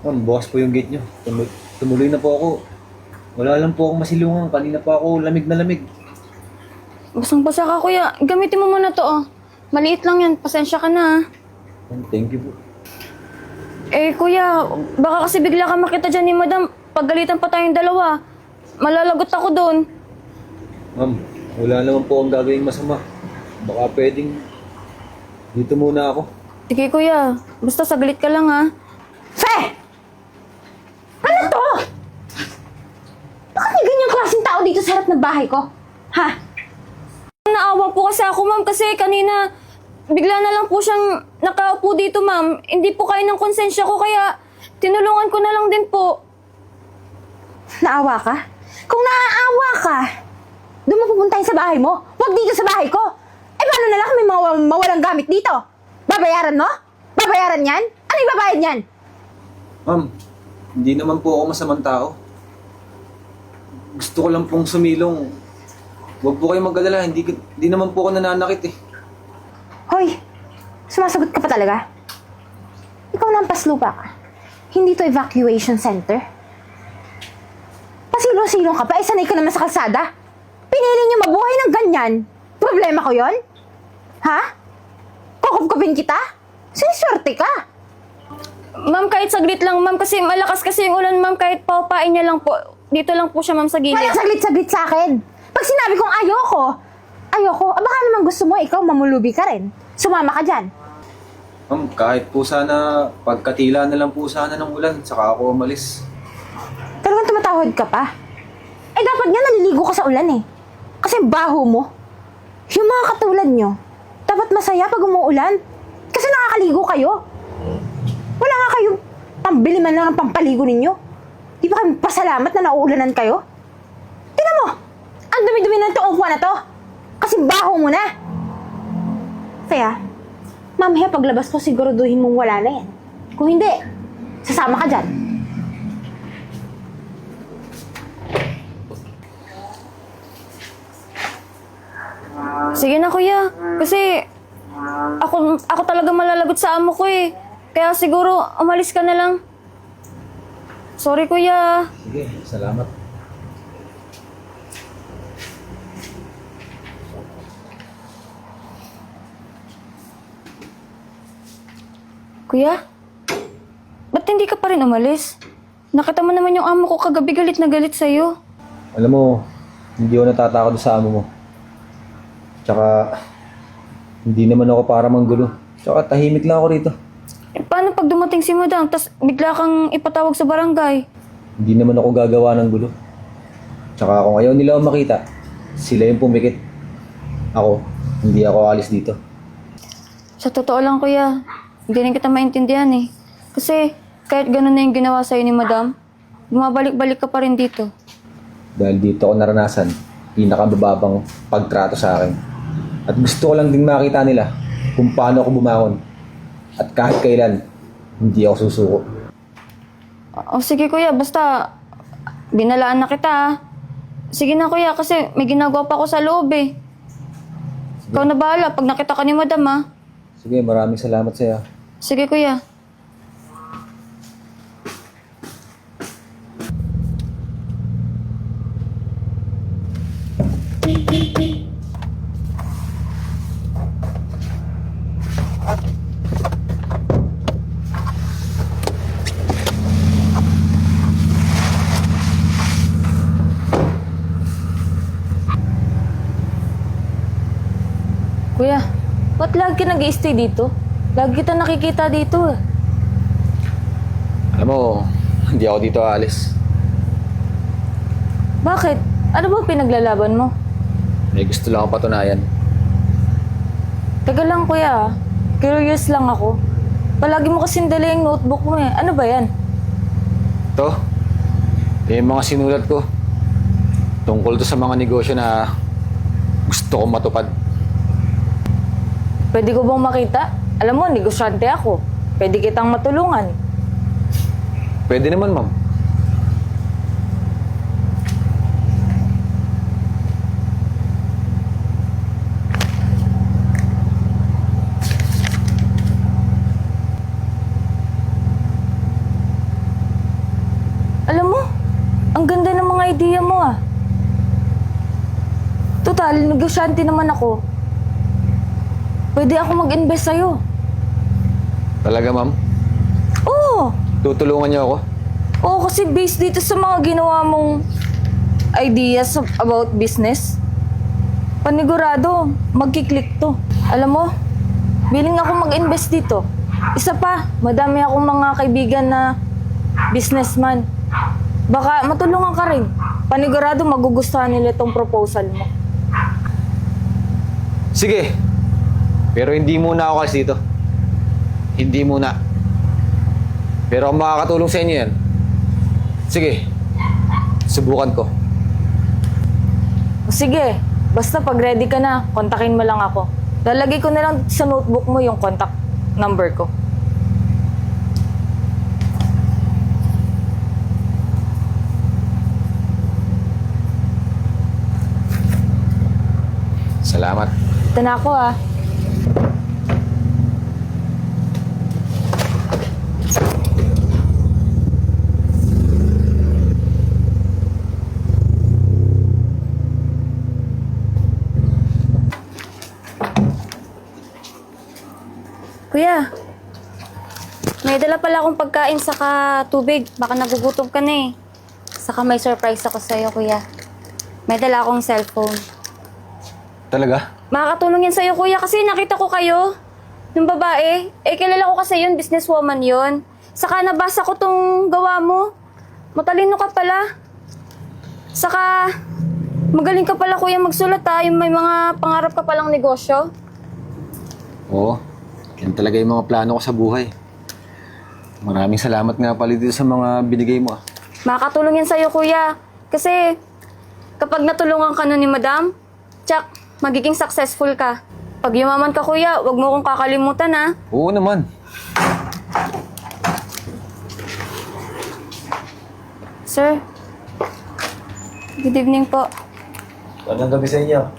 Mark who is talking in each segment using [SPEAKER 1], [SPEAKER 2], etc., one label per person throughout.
[SPEAKER 1] Ma'am, bukas po yung gate nyo. Tumuloy na po ako. Wala lang po akong masilungan. Kanina pa ako lamig na lamig.
[SPEAKER 2] Basang-basa ka, kuya. Gamitin mo muna to, oh. Maliit lang yan. Pasensya ka na, ah.
[SPEAKER 1] Ma'am, thank you po.
[SPEAKER 2] Eh, kuya, baka kasi bigla ka makita dyan ni madam. Paggalitan pa tayong dalawa. Malalagot ako doon.
[SPEAKER 1] Ma'am, wala naman po akong gagawing masama. Baka pwedeng dito muna ako.
[SPEAKER 2] Sige, kuya. Basta saglit ka lang, ha.
[SPEAKER 3] Fe! Ano to? Bakit may ganyang klaseng tao dito sa harap ng bahay ko? Ha?
[SPEAKER 2] Naawa po kasi ako, ma'am, kasi kanina bigla na lang po siyang nakaupo dito, ma'am. Hindi po kayo ng konsensya ko, kaya tinulungan ko na lang din po.
[SPEAKER 3] Naawa ka? Kung naaawa ka, doon mo pupuntahin sa bahay mo. Huwag dito sa bahay ko. Eh, paano na lang kung may mawalang gamit dito? Babayaran mo? Babayaran yan? Ano ibabayad yan?
[SPEAKER 1] Ma'am, hindi naman po ako masamang tao. Gusto ko lang pong sumilong. Huwag po kayong mag-alala. Hindi naman po ako nananakit eh.
[SPEAKER 3] Hoy, sumasagot ka pa talaga? Ikaw na ang paslupa ka. Hindi to evacuation center. Pasilong-silong ka pa, sanay ka naman sa kalsada. Pinili niyo mabuhay ng ganyan. Problema ko yon? Ha? Kukup-kupin kita? Siniswerte ka.
[SPEAKER 2] Ma'am, kahit saglit lang, ma'am, kasi malakas kasi yung ulan, ma'am, kahit paupain niya lang po. Dito lang po siya, ma'am, sa gilid.
[SPEAKER 3] Walang saglit-saglit sa akin. Pag sinabi kong ayoko, baka naman gusto mo ikaw mamulubi ka rin. Sumama ka dyan.
[SPEAKER 1] Ma'am, kahit po sana pagkatila na lang po sana ng ulan, saka ako umalis.
[SPEAKER 3] Talagang tumatawad ka pa. Eh dapat nga naliligo ka sa ulan eh. Kasi baho mo. Yung mga katulad nyo, dapat masaya pag umuulan. Kasi nakakaligo kayo. Wala nga kayo pambili man lang ng pampaligo ninyo. Di ba kayo pasalamat na nauulanan kayo? Tingnan mo! Ang dumi-dumi ng itong upuan na to. Kasi baho mo na. Kaya, mamaya paglabas ko siguraduhin mong wala na yan. Kung hindi, sasama ka dyan.
[SPEAKER 2] Sige na, kuya. Kasi ako talaga malalagot sa amo ko eh. Kaya siguro umalis ka na lang. Sorry, kuya.
[SPEAKER 1] Sige, salamat.
[SPEAKER 2] Kuya? Ba't hindi ka pa rin umalis? Nakita mo naman yung amo ko kagabi galit na galit sa'yo.
[SPEAKER 1] Alam mo, hindi ako natatakot sa amo mo. Tsaka, hindi naman ako para manggulo. Tsaka, tahimik lang ako rito.
[SPEAKER 2] Eh, paano pag dumating si madam, tas bigla kang ipatawag sa barangay?
[SPEAKER 1] Hindi naman ako gagawa ng gulo. Tsaka, kung ayaw nila ako makita, sila yung pumikit. Ako, hindi ako alis dito.
[SPEAKER 2] Sa totoo lang, kuya, hindi rin kita maintindihan eh. Kasi kahit ganun na yung ginawa sa'yo ni madam, bumabalik-balik ka pa rin dito.
[SPEAKER 1] Dahil dito ako naranasan, pinakamababang pagtrato sa akin. At gusto ko lang din makita nila kung paano ako bumangon. At kahit kailan, hindi ako susuko.
[SPEAKER 2] O sige, kuya, basta binalaan na kita ah. Sige na, kuya, kasi may ginagawa pa ako sa loob eh. Ikaw na bahala pag nakita ka ni madam ah.
[SPEAKER 1] Sige, maraming salamat sa'yo.
[SPEAKER 2] Sige, kuya. Kuya, ba't lagi ka nag-i-stay dito? Lagi kita nakikita dito eh.
[SPEAKER 1] Alam mo, hindi ako dito aalis.
[SPEAKER 2] Bakit? Ano bang pinaglalaban mo?
[SPEAKER 1] May gusto lang ako patunayan.
[SPEAKER 2] Taga lang, kuya. Curious lang ako. Palagi mo kasing dala yung notebook mo eh. Ano ba yan?
[SPEAKER 1] Ito, yung mga sinulat ko. Tungkol to sa mga negosyo na gusto kong matupad.
[SPEAKER 2] Pwede ko bang makita? Alam mo, negosyante ako. Pwede kitang matulungan.
[SPEAKER 1] Pwede naman, ma'am.
[SPEAKER 2] Ang ganda ng mga idea mo ah. Total, negosyante naman ako. Pwede ako mag-invest sa'yo.
[SPEAKER 1] Talaga, ma'am?
[SPEAKER 2] Oo.
[SPEAKER 1] Tutulungan niyo ako?
[SPEAKER 2] Oo, kasi based dito sa mga ginawa mong ideas about business, panigurado, magkiklik to. Alam mo, willing ako mag-invest dito. Isa pa, madami akong mga kaibigan na businessman. Baka matulungan ka rin. Panigurado, magugustuhan nila itong proposal mo.
[SPEAKER 1] Sige. Pero hindi muna ako kasi dito. Hindi muna. Pero kung makakatulong sa inyo yan, sige. Subukan ko.
[SPEAKER 2] Sige, basta pag ready ka na, kontakin mo lang ako. Lalagay ko na lang sa notebook mo yung contact number ko.
[SPEAKER 1] Salamat.
[SPEAKER 2] Ito na ako ah. Kuya, may dala pala akong pagkain saka tubig. Baka nagugutom ka na eh. Saka may surprise ako sa'yo, kuya. May dala akong cellphone.
[SPEAKER 1] Talaga?
[SPEAKER 2] Makakatulong yan sa'yo, kuya, kasi nakita ko kayo. Yung babae. Kilala ko kasi yun, businesswoman yun. Saka nabasa ko tong gawa mo. Matalino ka pala. Saka, magaling ka pala, kuya, magsulat ha. Yung may mga pangarap ka palang negosyo.
[SPEAKER 1] Oo. Yan talaga yung mga plano ko sa buhay. Maraming salamat nga pala dito sa mga binigay mo.
[SPEAKER 2] Makakatulong yan sa'yo, kuya. Kasi, kapag natulungan ka na ni madam, tsak, magiging successful ka. Pag yumaman ka, kuya, wag mo kong kakalimutan, ha?
[SPEAKER 1] Oo naman.
[SPEAKER 2] Sir, good evening po.
[SPEAKER 1] Magandang gabi sa inyo.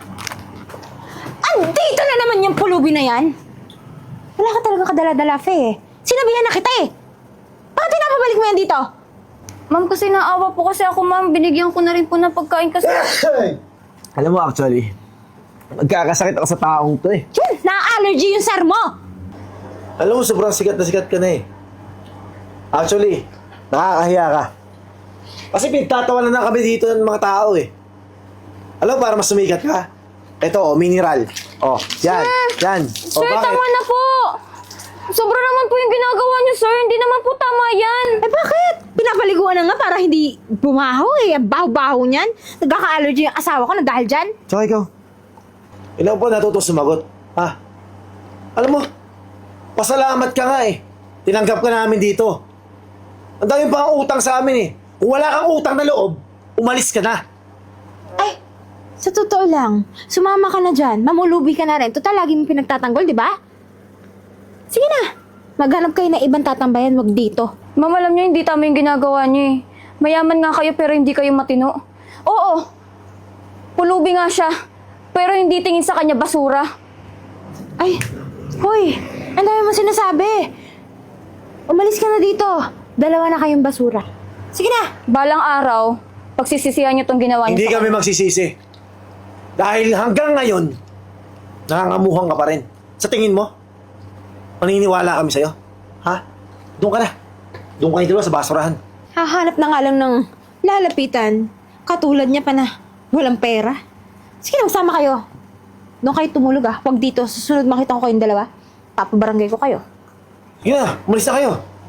[SPEAKER 3] Andito na naman yung pulubi na yan. Wala ka talaga kadala-dala, Fe eh. Sinabihan na kita eh. Bakit pinapabalik mo yan dito?
[SPEAKER 2] Ma'am, kasi naawa po kasi ako, ma'am. Binigyan ko na rin po ng pagkain kasi...
[SPEAKER 4] Alam mo actually, magkakasakit ako sa taong to eh.
[SPEAKER 3] Yun, na-allergy yung sir mo.
[SPEAKER 4] Alam mo, sobrang sikat na sikat ka na eh. Actually, nakakahiya ka. Kasi pinagtatawanan na kami dito ng mga tao eh. Alam mo, para mas sumikat ka, ito oh, mineral. Oh, yan, yan. Oh,
[SPEAKER 2] Sir,
[SPEAKER 4] bakit?
[SPEAKER 2] tama na po! Sobra naman po yung ginagawa niyo, sir. Hindi naman po tama yan.
[SPEAKER 3] Eh bakit? Pinapaliguan na nga para hindi bumaho eh. Ang baho-baho niyan. Nagkaka-allergy yung asawa ko na dahil dyan.
[SPEAKER 4] Tsaka ikaw, ilang po natutong sumagot, ha? Alam mo, pasalamat ka nga eh. Tinanggap ka namin dito. Ang dami pa ang utang sa amin eh. Kung wala kang utang na loob, umalis ka na.
[SPEAKER 3] Ay, sa totoo lang, sumama ka na dyan. Mamulubi ka na rin. Total, lagi mo pinagtatanggol, di ba? Sige na. Maghanap kayo na ibang tatambayan, wag dito.
[SPEAKER 2] Ma'am, alam niyo, hindi tama yung ginagawa niyo eh. Mayaman nga kayo pero hindi kayo matino. Oo, pulubi nga siya. Pero hindi tingin sa kanya basura.
[SPEAKER 3] Ay, hoy, ang dami mo sinasabi. Umalis ka na dito. Dalawa na kayong basura. Sige na.
[SPEAKER 2] Balang araw, pagsisisihan niyo tong ginawa niyo
[SPEAKER 4] Hindi
[SPEAKER 2] sa
[SPEAKER 4] kami
[SPEAKER 2] kanya.
[SPEAKER 4] magsisisi. Dahil hanggang ngayon, nangangamuhang ka pa rin. Sa tingin mo, maniniwala kami sa'yo? Ha? Doon ka na. Doon kayo dalawa sa basurahan.
[SPEAKER 3] Hahanap na nga lang ng lalapitan. Katulad niya pa na walang pera. Sige na, magsama kayo. Doon kayo tumulog ah. Huwag dito. Susunod makita ko kayong dalawa. Papabarangay ko kayo.
[SPEAKER 4] Yun na, umalis na kayo.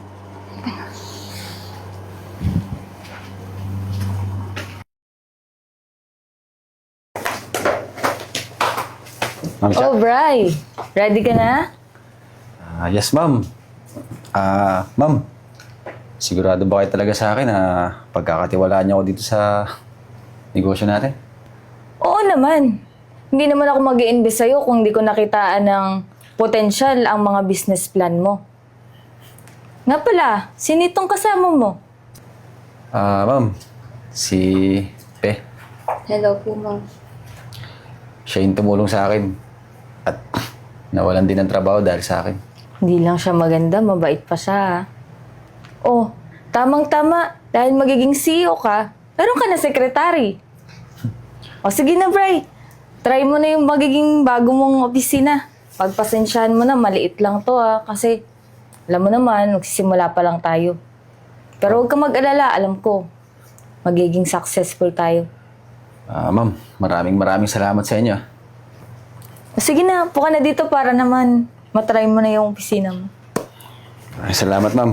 [SPEAKER 1] Ma'am siya?
[SPEAKER 2] Oh, Bri. Ready ka na?
[SPEAKER 1] Yes, ma'am. Ma'am, sigurado ba kayo talaga sa akin na pagkakatiwalaan niyo ako dito sa negosyo natin?
[SPEAKER 2] Oo naman. Hindi naman ako mag-i-invest sa'yo kung hindi ko nakitaan ng potensyal ang mga business plan mo. Nga pala, sinitong kasama mo?
[SPEAKER 1] Ma'am, si Pe.
[SPEAKER 2] Hello po, ma'am.
[SPEAKER 1] Siya yung tumulong sa akin. At nawalan din ng trabaho dahil sa akin.
[SPEAKER 2] Hindi lang siya maganda, mabait pa siya. Oh, Tamang-tama, dahil magiging CEO ka, meron ka na sekretary. O sige na, Bray. Try mo na yung magiging bago mong opisina. Pagpasensyahan mo na, maliit lang to kasi alam mo naman, magsisimula pa lang tayo. Pero huwag ka mag-alala, alam ko, magiging successful tayo.
[SPEAKER 1] Ma'am, maraming salamat sa inyo.
[SPEAKER 2] O sige na, puka na dito para naman matry mo na yung opisina mo.
[SPEAKER 1] Ay, salamat, ma'am.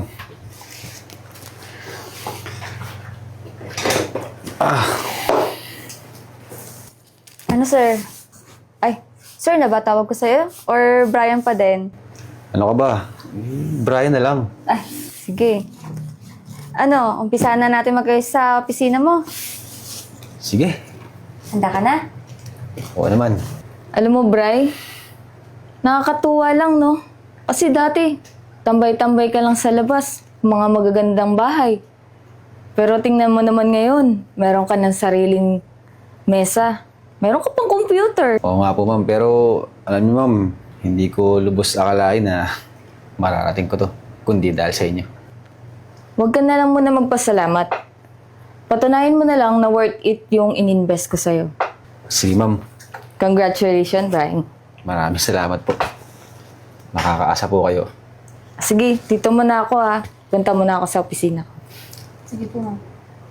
[SPEAKER 2] Ano, sir? Ay, sir, nabatawag ko sa'yo? Or Brian pa din?
[SPEAKER 1] Ano ka ba? Brian na lang.
[SPEAKER 2] Ay, sige. Ano, umpisa na natin mag-ayos sa opisina mo.
[SPEAKER 1] Sige.
[SPEAKER 2] Handa ka na?
[SPEAKER 1] Oo naman.
[SPEAKER 2] Alam mo, Bri, nakakatuwa lang, no? Kasi dati, tambay-tambay ka lang sa labas, mga magagandang bahay. Pero tingnan mo naman ngayon, meron ka ng sariling mesa. Meron ka pang computer.
[SPEAKER 1] Oo nga po, ma'am. Pero, alam niyo, ma'am, hindi ko lubos akalain na mararating ko to. Kundi dahil sa inyo.
[SPEAKER 2] Huwag ka na lang muna magpasalamat. Patunayan mo na lang na worth it yung ininvest ko sa'yo.
[SPEAKER 1] Sige, ma'am.
[SPEAKER 2] Congratulations, Brian.
[SPEAKER 1] Maraming salamat po. Makakaasa po kayo.
[SPEAKER 2] Sige, dito muna ako Punta muna ako sa opisina ko.
[SPEAKER 3] Sige po, ma'am.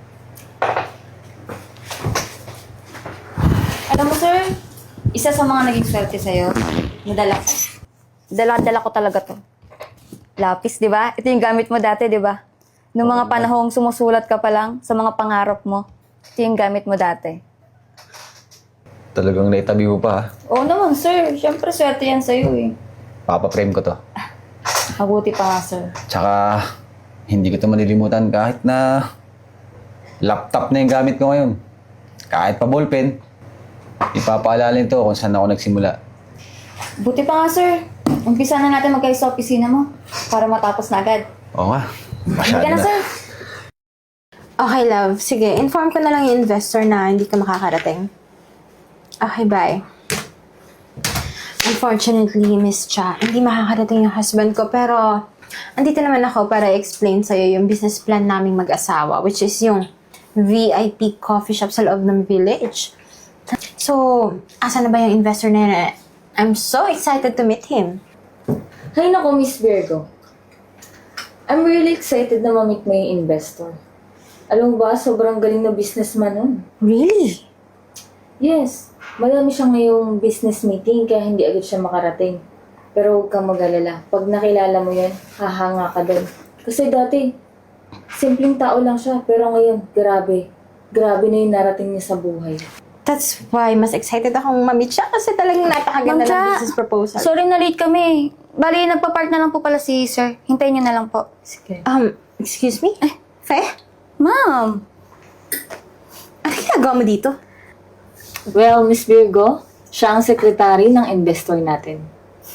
[SPEAKER 5] Alam mo, sir, isa sa mga naging swerte sa'yo, nadala ko. Dala ko talaga to. Lapis, di ba? Ito yung gamit mo dati, di ba? Noong mga panahong sumusulat ka pa lang sa mga pangarap mo, ito yung gamit mo dati.
[SPEAKER 1] Talagang naitabi mo pa, ha?
[SPEAKER 5] Oo naman, sir. Siyempre, swerte yan sa'yo eh.
[SPEAKER 1] Papaprame ko to.
[SPEAKER 5] Mabuti pa nga, sir.
[SPEAKER 1] Tsaka, hindi ko to malilimutan kahit na laptop na yung gamit ko ngayon. Kahit pa ballpen, ipapaalala nito kung saan ako nagsimula.
[SPEAKER 5] Buti pa nga, sir. Umpisa na natin magkayo sa opisina mo para matapos na agad.
[SPEAKER 1] Oo nga.
[SPEAKER 5] Hindi
[SPEAKER 1] Masyado
[SPEAKER 5] ka na,
[SPEAKER 1] na.
[SPEAKER 5] sir.
[SPEAKER 3] Okay, love. Sige, inform ko na lang yung investor na hindi ka makakarating. Okay, bye. Unfortunately, Miss Cha, hindi makakarating yung husband ko, pero andito naman ako para explain sa'yo yung business plan naming mag-asawa, which is yung VIP coffee shop sa loob ng village. So, asa na ba yung investor na yun? I'm so excited to meet him.
[SPEAKER 2] Hay nako, Miss Virgo. I'm really excited na ma-meet mo yung investor. Alam mo ba, sobrang galing na businessman nun.
[SPEAKER 3] Really?
[SPEAKER 2] Yes, madami siya ngayong business meeting kaya hindi agad siya makarating. Pero huwag kang mag-alala. Pag nakilala mo yan, hahanga ka doon. Kasi dati, simpleng tao lang siya. Pero ngayon, grabe. Grabe na yung narating niya sa buhay.
[SPEAKER 3] That's why mas excited akong ma-meet siya kasi talagang napakaganda
[SPEAKER 5] Ma'am Cha,
[SPEAKER 3] ng business proposal.
[SPEAKER 5] Sorry na late kami. Bali, nagpa-park na lang po pala si sir. Hintayin niyo na lang po.
[SPEAKER 2] Sige.
[SPEAKER 3] Excuse me? Fe?
[SPEAKER 5] Ma'am!
[SPEAKER 3] Ano ginagawa mo dito?
[SPEAKER 2] Well, Miss Virgo, siya ang sekretary ng investor natin.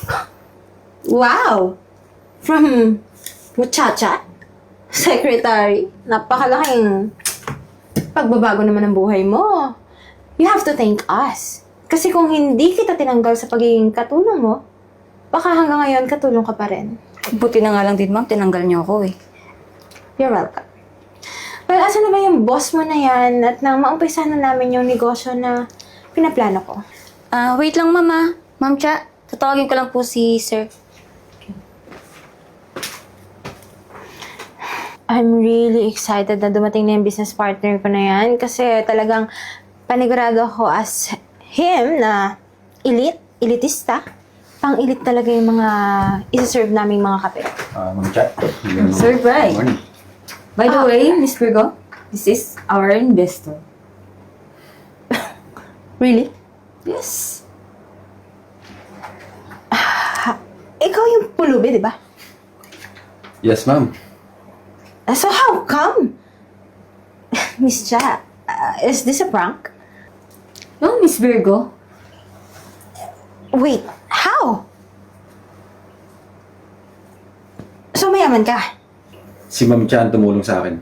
[SPEAKER 3] Wow! From muchacha? Secretary? Napakalaking pagbabago naman ng buhay mo. You have to thank us. Kasi kung hindi kita tinanggal sa pagiging katulong mo, baka hanggang ngayon katulong ka pa rin.
[SPEAKER 5] Buti na nga lang din, ma'am. Tinanggal niyo ako eh.
[SPEAKER 3] You're welcome. Well, asa na ba yung boss mo na yan at nang maumpisa na namin yung negosyo na pinaplano ko?
[SPEAKER 5] Wait lang, mama. Ma'am Cha, tatawagin ko lang po si sir.
[SPEAKER 3] I'm really excited na dumating na yung business partner ko na yan kasi talagang panigurado ako as him na elitista. Pang-elite talaga yung mga isa-serve naming mga kape.
[SPEAKER 1] Ma'am Chat.
[SPEAKER 2] Sir Bry. By the way, Miss Virgo, this is our investor.
[SPEAKER 3] Really?
[SPEAKER 2] Yes.
[SPEAKER 3] Ikaw yung pulubi, di ba?
[SPEAKER 1] Yes, ma'am.
[SPEAKER 3] So how come? Miss Cha, is this a prank?
[SPEAKER 2] No, Miss Virgo.
[SPEAKER 3] Wait, how? So mayaman ka?
[SPEAKER 1] Si Ma'am Chan tumulong sa akin.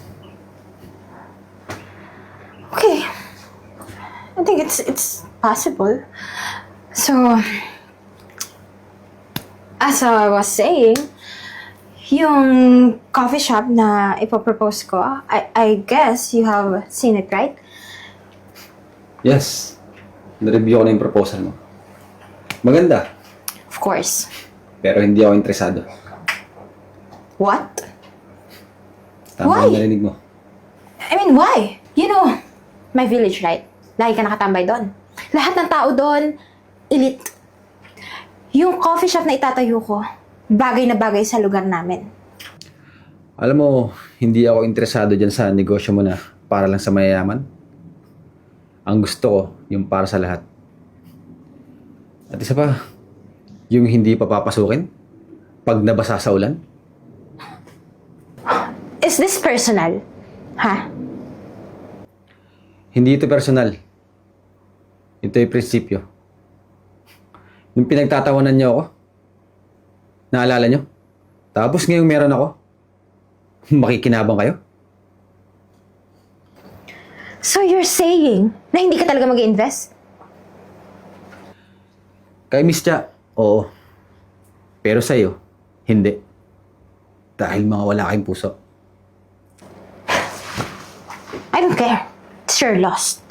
[SPEAKER 3] Okay. I think it's possible. So, as I was saying, Yung coffee shop na ipopropose ko, I guess you have seen it, right?
[SPEAKER 1] Yes. Na-review ko na yung proposal mo. Maganda.
[SPEAKER 3] Of course.
[SPEAKER 1] Pero hindi ako interesado.
[SPEAKER 3] What?
[SPEAKER 1] Tama
[SPEAKER 3] Why?
[SPEAKER 1] yung narinig mo.
[SPEAKER 3] I mean, why? You know, my village, right? Lagi ka nakatambay doon. Lahat ng tao doon, elite. Yung coffee shop na itatayo ko, bagay na bagay sa lugar namin.
[SPEAKER 1] Alam mo, hindi ako interesado dyan sa negosyo mo na para lang sa mayayaman. Ang gusto ko, yung para sa lahat. At isa pa, yung hindi pa papasukin pag nabasa sa ulan.
[SPEAKER 3] Is this personal? Ha?
[SPEAKER 1] Hindi ito personal. Ito ay prinsipyo. Yung pinagtatawanan niyo ako, naalala niyo? Tapos ngayong meron ako, makikinabang kayo?
[SPEAKER 3] So you're saying na hindi ka talaga mag-invest?
[SPEAKER 1] Kay Miss Cha, oo. Pero sa'yo, hindi. Dahil mga wala kayong puso.
[SPEAKER 3] I don't care. It's your loss.